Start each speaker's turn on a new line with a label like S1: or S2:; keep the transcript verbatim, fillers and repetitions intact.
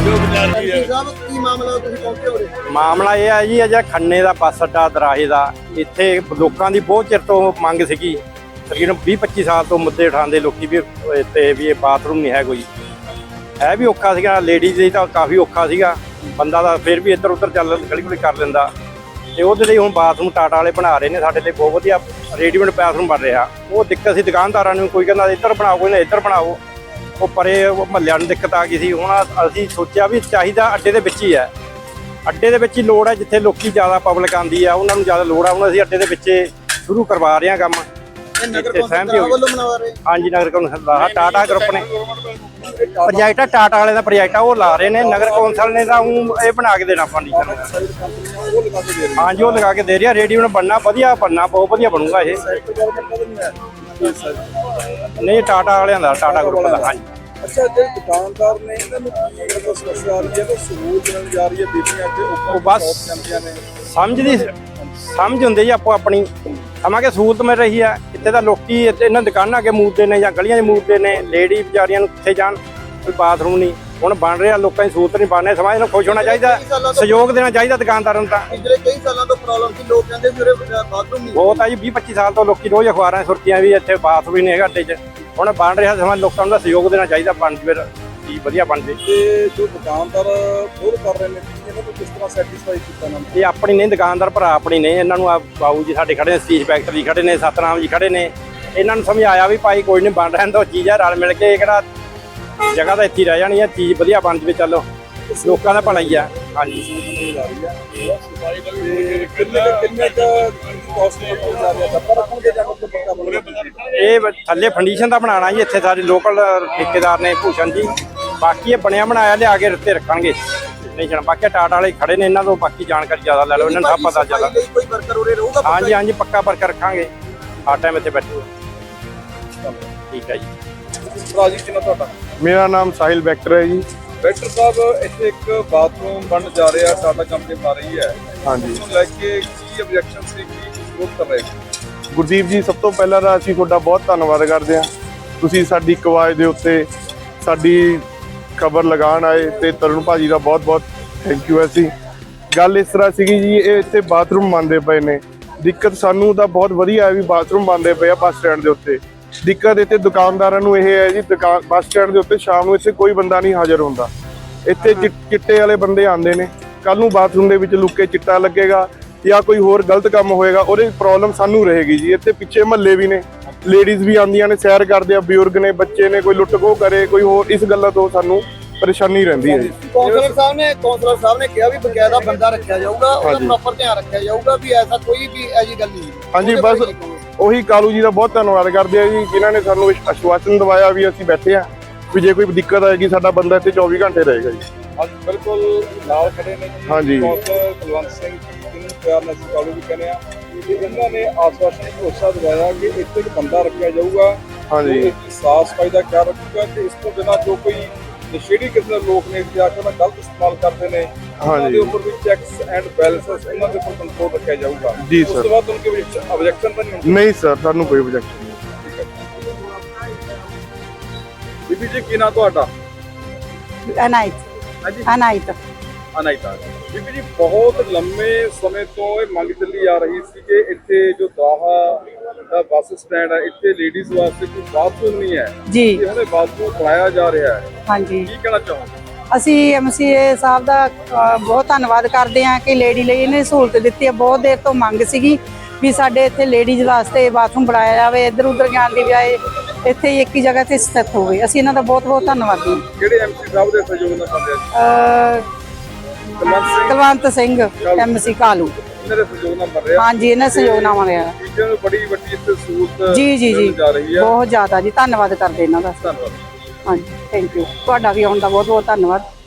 S1: ਮਾਮਲਾ ਇਹ ਹੈ ਜੀ, ਅਜਾ ਖੰਨੇ ਦਾ ਬੱਸ ਅੱਡਾ ਦਰਾਹੇ ਦਾ, ਇੱਥੇ ਲੋਕਾਂ ਦੀ ਬਹੁਤ ਚਿਰ ਤੋਂ ਮੰਗ ਸੀਗੀ। ਤਕਰੀਬਨ ਵੀਹ ਪੱਚੀ ਸਾਲ ਤੋਂ ਮੁੱਦੇ ਉਠਾਉਂਦੇ ਲੋਕੀ ਵੀ ਇੱਥੇ ਵੀ ਇਹ ਬਾਥਰੂਮ ਨਹੀਂ ਹੈ ਕੋਈ। ਹੈ ਵੀ ਔਖਾ ਸੀਗਾ, ਲੇਡੀਜ਼ ਲਈ ਤਾਂ ਕਾਫੀ ਔਖਾ ਸੀਗਾ, ਬੰਦਾ ਦਾ ਫਿਰ ਵੀ ਇੱਧਰ ਉੱਧਰ ਚੱਲ ਗਲੀ ਗੁਲੀ ਕਰ ਲੈਂਦਾ। ਤੇ ਉਹਦੇ ਲਈ ਹੁਣ ਬਾਥਰੂਮ ਟਾਟਾ ਵਾਲੇ ਬਣਾ ਰਹੇ ਨੇ, ਸਾਡੇ ਲਈ ਬਹੁਤ ਵਧੀਆ ਰੈਡੀਮੇਡ ਬਾਥਰੂਮ ਬਣ ਰਿਹਾ। ਉਹ ਦਿੱਕਤ ਸੀ ਦੁਕਾਨਦਾਰਾਂ ਨੂੰ, ਕੋਈ ਕਹਿੰਦਾ ਇੱਧਰ ਬਣਾਓ, ਕੋਈ ਨਾ ਇੱਧਰ ਬਣਾਓ। ਉਹ ਪਰੇ ਮਹੱਲਿਆਂ ਨੂੰ ਦਿੱਕਤ ਆ ਗਈ ਸੀ। ਹੁਣ ਅਸੀਂ ਸੋਚਿਆ ਵੀ ਚਾਹੀਦਾ ਅੱਡੇ ਦੇ ਵਿੱਚ ਹੀ ਹੈ, ਅੱਡੇ ਦੇ ਵਿੱਚ ਹੀ ਲੋੜ ਹੈ, ਜਿੱਥੇ ਲੋਕੀ ਜ਼ਿਆਦਾ ਪਬਲਿਕ ਆਉਂਦੀ ਆ ਉਹਨਾਂ ਨੂੰ ਜ਼ਿਆਦਾ ਲੋੜ ਆ। ਹੁਣ ਅਸੀਂ ਅੱਡੇ ਦੇ ਵਿੱਚ ਸ਼ੁਰੂ ਕਰਵਾ ਰਹੇ ਹਾਂ ਕੰਮ। ਸਹਿਮਤੀ ਹੋ ਗਈ। ਹਾਂਜੀ, ਨਗਰ ਕੌਂਸਲ ਦਾ ਟਾਟਾ ਗਰੁੱਪ ਨੇ ਪ੍ਰੋਜੈਕਟ ਆ, ਟਾਟਾ ਵਾਲੇ ਦਾ ਪ੍ਰੋਜੈਕਟ ਆ, ਉਹ ਲਾ ਰਹੇ ਨੇ। ਨਗਰ ਕੌਂਸਲ ਨੇ ਤਾਂ ਉਹ ਇਹ ਬਣਾ ਕੇ ਦੇਣਾ ਫਰਨੀਚਰ। ਹਾਂਜੀ, ਉਹ ਲਗਾ ਕੇ ਦੇ ਰਿਹਾ। ਰੈਡੀਮੇਡ ਬਣਨਾ, ਵਧੀਆ ਬਣਨਾ, ਬਹੁਤ ਵਧੀਆ ਬਣੂਗਾ ਇਹ। ਨਹੀਂ, ਟਾਟਾ ਵਾਲਿਆਂ ਦਾ, ਟਾਟਾ ਗਰੁੱਪ ਦਾ। ਹਾਂਜੀ।
S2: ਅੱਛਾ, ਜਿਹੜੇ ਦੁਕਾਨਦਾਰ ਨੇ ਇਹਨਾਂ ਨੂੰ ਕੀ ਸਮੱਸਿਆ ਆ ਰਹੀ ਹੈ? ਤਾਂ ਸਹੂਲਤ ਮਿਲ ਜਾ ਰਹੀ ਹੈ, ਬੀਬੀਆਂ ਅੱਗੇ
S1: ਉਹ ਬਸ ਸਮਝਦੀ ਸਮਝ ਹੁੰਦੀ ਜੀ ਆਪੋ ਆਪਣੀ। ਸਮਾਂ ਸਹੂਲਤ ਮਿਲ ਰਹੀ ਹੈ ਇੱਥੇ ਤਾਂ ਲੋਕੀ ਇਹਨਾਂ ਦੁਕਾਨਾਂ ਅੱਗੇ ਮੂਦਦੇ ਨੇ ਜਾਂ ਗਲੀਆਂ 'ਚ ਮੂਦਦੇ ਨੇ। ਲੇਡੀ ਵਿਚਾਰੀਆਂ ਨੂੰ ਕਿੱਥੇ ਜਾਣ, ਕੋਈ ਬਾਥਰੂਮ ਨਹੀਂ। ਹੁਣ ਬਣ ਰਿਹਾ, ਲੋਕਾਂ ਦੀ ਸਹੂਲਤ ਨਹੀਂ ਬਣ ਰਹੀ। ਸਮਾਜ ਨੂੰ ਖੁਸ਼ ਹੋਣਾ ਚਾਹੀਦਾ, ਸਹਿਯੋਗ ਦੇਣਾ ਚਾਹੀਦਾ ਦੁਕਾਨਦਾਰਾਂ ਨੂੰ। ਤਾਂ
S3: ਪਿਛਲੇ ਕਈ ਸਾਲਾਂ ਤੋਂ ਪ੍ਰੋਬਲਮ ਸੀ, ਲੋਕ ਕਹਿੰਦੇ ਵੀ ਉਰੇ ਬਾਥਰੂਮ ਨਹੀਂ
S1: ਬਹੁਤ ਆ ਜੀ। ਵੀਹ ਪੱਚੀ ਸਾਲ ਤੋਂ ਲੋਕੀ ਰੋਜ਼ ਅਖਬਾਰਾਂ ਸੁਰਖੀਆਂ ਵੀ ਇੱਥੇ ਬਾਥਰੂਮ ਹੀ ਨਹੀਂ ਹੈਗਾ ਅੱਡੇ 'ਚ। ਹੁਣ ਬਣ ਰਿਹਾ, ਸਮਾਜ ਲੋਕਾਂ ਨੂੰ ਸਹਿਯੋਗ ਦੇਣਾ ਚਾਹੀਦਾ, ਬਣ ਫਿਰ ਚੀਜ਼ ਵਧੀਆ ਬਣ ਜੇ।
S2: ਤੇ ਜੋ ਦੁਕਾਨਦਾਰ ਖੁਦ ਕਰ ਰਹੇ ਨੇ, ਇਹਨਾਂ ਨੂੰ ਕਿਸ ਤਰ੍ਹਾਂ ਸੈਟੀਸਫਾਈ ਕੀਤਾ ਨਾ?
S1: ਇਹ ਆਪਣੀ ਨਹੀਂ, ਦੁਕਾਨਦਾਰ ਭਰਾ ਆਪਣੀ ਨਹੀਂ। ਇਹਨਾਂ ਨੂੰ ਆ ਬਾਬੂ ਜੀ ਸਾਡੇ ਖੜੇ ਨੇ, ਸਤੀਸ਼ ਫੈਕਟਰੀ ਖੜੇ ਨੇ, ਸਤਨਾਮ ਜੀ ਖੜੇ ਨੇ। ਇਹਨਾਂ ਨੂੰ ਸਮਝਾਇਆ ਵੀ ਭਾਈ ਕੋਈ ਨਹੀਂ, ਬਣ ਰਹਿਣ ਦਿਓ ਚੀਜ਼ ਆ, ਰਲ ਮਿਲ ਕੇ। ਕਿਹੜਾ ਜਗ੍ਹਾ ਤਾਂ ਇੱਥੇ ਰਹਿ ਜਾਣੀ ਆ, ਚੀਜ਼ ਵਧੀਆ ਬਣ ਜਵੇ, ਚਲੋ ਲੋਕਾਂ ਦਾ ਭਲਾ ਹੀ ਆ। ਹਾਂਜੀ। ਇਹ ਥੱਲੇ ਫੰਡੀਸ਼ਨ ਦਾ ਬਣਾਉਣਾ ਜੀ, ਇੱਥੇ ਸਾਡੇ ਲੋਕਲ ਠੇਕੇਦਾਰ ਨੇ ਭੂਸ਼ਣ ਜੀ। ਬਾਕੀ ਇਹ ਬਣਿਆ ਬਣਾਇਆ ਲਿਆ ਕੇ ਰੱਤੇ ਰੱਖਣਗੇ। ਨਹੀਂ ਜਾਣਾ, ਬਾਕੀ ਟਾਟਾ ਵਾਲੇ ਖੜੇ ਨੇ, ਇਹਨਾਂ ਤੋਂ ਬਾਕੀ ਜਾਣਕਾਰੀ ਜ਼ਿਆਦਾ ਲੈ ਲਓ, ਇਹਨਾਂ ਨੂੰ ਸਭ ਪਤਾ ਚੱਲਦਾ। ਹਾਂਜੀ ਹਾਂਜੀ, ਪੱਕਾ ਵਰਕਰ ਰੱਖਾਂਗੇ, ਹਰ ਟਾਈਮ ਇੱਥੇ ਬੈਠੋ। ਠੀਕ ਹੈ ਜੀ।
S2: ਰਾਜੀ ਕਿੰਨਾ ਤੁਹਾਡਾ?
S4: ਮੇਰਾ ਨਾਮ ਸਾਹਿਲ ਵੈਕਟਰ ਹੈ ਜੀ।
S2: ਵੈਕਟਰ ਸਾਹਿਬ, ਇੱਥੇ ਇੱਕ ਬਾਥਰੂਮ ਬਣ ਜਾ ਰਿਹਾ, ਟਾਟਾ ਕੰਪਨੀ ਬਣਾ ਰਹੀ ਹੈ।
S4: ਹਾਂਜੀ।
S2: ਉਸ ਨੂੰ ਲੈ ਕੇ ਕੀ ਆਬਜੈਕਸ਼ਨ ਸੀ, ਕੀ ਵਿਰੋਧ ਕਰ ਰਹੇ?
S4: ਗੁਰਦੀਪ ਜੀ, ਸਭ ਤੋਂ ਪਹਿਲਾਂ ਤਾਂ ਅਸੀਂ ਤੁਹਾਡਾ ਬਹੁਤ ਧੰਨਵਾਦ ਕਰਦੇ ਹਾਂ। ਤੁਸੀਂ ਸਾਡੀ ਇੱਕ ਆਵਾਜ਼ ਦੇ ਉੱਤੇ ਸਾਡੀ ਖਬਰ ਲਗਾਉਣ ਆਏ, ਤੇ ਤਰੁਣ ਭਾਜੀ ਦਾ ਬਹੁਤ ਬਹੁਤ ਥੈਂਕ ਯੂ। ਅਸੀਂ ਗੱਲ ਇਸ ਤਰ੍ਹਾਂ ਸੀਗੀ ਜੀ, ਇਹ ਇੱਥੇ ਬਾਥਰੂਮ ਬਣਦੇ ਪਏ ਨੇ। ਦਿੱਕਤ ਸਾਨੂੰ ਤਾਂ ਬਹੁਤ ਵਧੀਆ ਹੈ ਵੀ ਬਾਥਰੂਮ ਬਣਦੇ ਪਏ ਆ ਬੱਸ ਸਟੈਂਡ ਦੇ ਉੱਤੇ। ਦਿੱਕਤ ਇੱਥੇ ਦੁਕਾਨਦਾਰਾਂ ਨੂੰ ਇਹ ਹੈ ਜੀ, ਦੁਕਾਨ ਬੱਸ ਸਟੈਂਡ ਦੇ ਉੱਤੇ ਸ਼ਾਮ ਨੂੰ ਇੱਥੇ ਕੋਈ ਬੰਦਾ ਨਹੀਂ ਹਾਜ਼ਰ ਹੁੰਦਾ। ਇੱਥੇ ਚਿੱਟੇ ਵਾਲੇ ਬੰਦੇ ਆਉਂਦੇ ਨੇ, ਕੱਲ ਨੂੰ ਬਾਥਰੂਮ ਦੇ ਵਿੱਚ ਲੁੱਕ ਕੇ ਚਿੱਟਾ ਲੱਗੇਗਾ ਜਾਂ ਕੋਈ ਹੋਰ ਗਲਤ ਕੰਮ ਹੋਏਗਾ, ਉਹਦੀ ਪ੍ਰੋਬਲਮ ਸਾਨੂੰ ਰਹੇਗੀ ਜੀ। ਇੱਥੇ ਪਿੱਛੇ ਮਹੱਲੇ ਵੀ ਨੇ, ਲੇਡੀਜ਼ ਵੀ ਆਉਂਦੀਆਂ ਨੇ, ਸੈਰ ਕਰਦੇ ਆ, ਬਜ਼ੁਰਗ ਨੇ, ਬੱਚੇ ਨੇ, ਕੋਈ ਲੁੱਟ ਖੋਹ ਕਰੇ, ਕੋਈ ਹੋਰ, ਇਸ ਗੱਲਾਂ ਤੋਂ ਸਾਨੂੰ ਪਰੇਸ਼ਾਨੀ ਰਹਿੰਦੀ ਹੈ ਜੀ।
S3: ਕੌਂਸਲਰ ਸਾਹਿਬ ਨੇ ਕੌਂਸਲਰ ਸਾਹਿਬ ਨੇ ਕਿਹਾ ਵੀ ਬਕਾਇਦਾ ਬੰਦਾ ਰੱਖਿਆ ਜਾਊਗਾ, ਉਹਦਾ ਪ੍ਰੋਪਰ ਧਿਆਨ ਰੱਖਿਆ ਜਾਊਗਾ ਵੀ ਐਸਾ ਕੋਈ ਵੀ ਐਜੀ ਗੱਲ ਨਹੀਂ।
S4: ਹਾਂਜੀ, ਬਸ ਉਹੀ ਕਾਲੂ ਜੀ ਦਾ ਬਹੁਤ ਧੰਨਵਾਦ ਕਰਦੇ ਆ ਜੀ, ਜਿਨ੍ਹਾਂ ਨੇ ਸਾਨੂੰ ਆਸ਼ਵਾਸਨ ਦਵਾਇਆ ਵੀ ਅਸੀਂ ਬੈਠੇ ਆ, ਵੀ ਜੇ ਕੋਈ ਦਿੱਕਤ ਆਏਗੀ ਸਾਡਾ ਬੰਦਾ ਇੱਥੇ ਚੌਵੀ ਘੰਟੇ ਰਹੇਗਾ ਜੀ।
S2: ਅੱਜ ਬਿਲਕੁਲ ਨਾਲ ਖੜੇ ਨੇ ਜੀ।
S4: ਹਾਂਜੀ।
S2: ਕੌਂਸਲਰ ਕੁਲਵੰਤ ਸਿੰਘ ਜੀ, ਜਿਹਨੂੰ ਪਿਆਰ ਨਾਲ ਅਸੀਂ ਕਾਲੂ ਵੀ ਕਹਿੰਦੇ ਆ, ਕਿ ਇਹਨਾਂ ਨੇ ਆਸ਼ਵਾਸਨ ਭਰੋਸਾ ਦਿਵਾਇਆ ਕਿ ਇੱਥੇ ਇੱਕ ਬੰਦਾ ਰੱਖਿਆ ਜਾਊਗਾ।
S4: ਹਾਂਜੀ।
S2: ਸਾਫ਼ ਸਫਾਈ ਦਾ ਖਿਆਲ ਰੱਖੂਗਾ ਤੇ ਇਸ ਤੋਂ ਬਿਨਾਂ ਜੋ ਕੋਈ ਨਸ਼ੇੜੀ ਕਿਸਮ ਦੇ ਲੋਕ ਨੇ ਜਾ ਕੇ ਉਹਨਾਂ ਗਲਤ ਇਸਤੇਮਾਲ ਕਰਦੇ ਨੇ, ਉਹਨਾਂ ਦੇ ਉੱਪਰ ਵੀ ਚੈਕਸ ਐਂਡ ਬੈਲੈਂਸਸ, ਇਹਨਾਂ ਦੇ ਉੱਪਰ ਕੰਟਰੋਲ ਰੱਖਿਆ ਜਾਊਗਾ ਜੀ ਸਰ। ਉਸ ਤੋਂ ਬਾਅਦ ਉਹਨਾਂ ਕੋਈ ਆਬਜੈਕਸ਼ਨ ਤਾਂ ਨਹੀਂ ਹੋਣੀ?
S4: ਨਹੀਂ ਸਰ, ਸਾਨੂੰ ਕੋਈ ਆਬਜੈਕਸ਼ਨ ਨਹੀਂ।
S2: ਬੀਬੀ ਜੀ, ਕੀ ਨਾਂ ਤੁਹਾਡਾ?
S5: ਅਨਾਇਤ।
S2: ਹਾਂਜੀ,
S5: ਅਨਾਇਤ।
S2: ਅਨਾਇਤਾ ਬੀਬੀ ਜੀ, ਬਹੁਤ ਲੰਮੇ ਸਮੇਂ ਤੋਂ ਇਹ ਮੰਗ ਚੱਲੀ ਆ ਰਹੀ ਸੀ ਕਿ ਇੱਥੇ ਜੋ ਦਾਹਾ ਦਾ ਬੱਸ ਸਟੈਂਡ ਹੈ, ਇੱਥੇ ਲੇਡੀਜ਼ ਵਾਸਤੇ ਕੋਈ ਬਾਥਰੂਮ ਨਹੀਂ ਹੈ
S5: ਜੀ।
S2: ਹੁਣ ਇਹ ਬਾਥਰੂਮ ਬਣਾਇਆ ਜਾ ਰਿਹਾ ਹੈ।
S5: ਹਾਂਜੀ,
S2: ਕੀ ਕਹਿਣਾ ਚਾਹੋਗੇ?
S5: ਅਸੀਂ ਐਮਸੀਏ ਸਾਹਿਬ ਦਾ ਅ, ਬਹੁਤ ਧੰਨਵਾਦ ਕਰਦੇ ਹਾਂ ਕਿ ਲੇਡੀ ਲਈ ਇਹਨੇ ਸਹੂਲਤ ਦਿੱਤੀ ਹੈ। ਬਹੁਤ ਦੇਰ ਤੋਂ ਮੰਗ ਸੀਗੀ ਵੀ ਸਾਡੇ ਇੱਥੇ ਲੇਡੀਜ਼ ਵਾਸਤੇ ਬਾਥਰੂਮ ਬਣਾਇਆ ਜਾਵੇ, ਇੱਧਰ ਉੱਧਰ ਜਾਣ ਦੀ ਬਜਾਏ ਇੱਥੇ ਹੀ ਇੱਕ ਹੀ ਜਗ੍ਹਾ ਤੇ ਸਥਿਤ ਹੋਵੇ। ਅਸੀਂ ਇਹਨਾਂ ਦਾ ਬਹੁਤ ਬਹੁਤ ਧੰਨਵਾਦੀ ਹਾਂ।
S2: ਕਿਹੜੇ ਐਮਸੀ ਸਾਹਿਬ ਦੇ ਸਹਿਯੋਗ ਨਾਲ ਕਰਦੇ
S5: ਅ, ਕੁਲਵੰਤ ਸਿੰਘ ਐਮਸੀ ਕਾਲੂ,
S2: ਇਹਨਾਂ ਦੇ ਸਹਿਯੋਗ ਨਾਲ ਬਣ ਰਿਹਾ।
S5: ਹਾਂਜੀ, ਇਹਨਾਂ ਸਹਿਯੋਗ ਨਾਲ ਬਣਿਆ।
S2: ਟੀਚਰ ਨੂੰ ਬੜੀ ਵੱਡੀ ਇੱਥੇ ਸਹੂਲਤ
S5: ਜੀ ਜੀ ਜੀ,
S2: ਜਾ ਰਹੀ ਹੈ।
S5: ਬਹੁਤ ਜ਼ਿਆਦਾ ਜੀ, ਧੰਨਵਾਦ ਕਰਦੇ ਇਹਨਾਂ ਦਾ।
S2: ਧੰਨਵਾਦ।
S5: ਹਾਂਜੀ, ਥੈਂਕ ਯੂ। ਤੁਹਾਡਾ ਵੀ ਆਉਣ ਦਾ ਬਹੁਤ ਬਹੁਤ ਧੰਨਵਾਦ।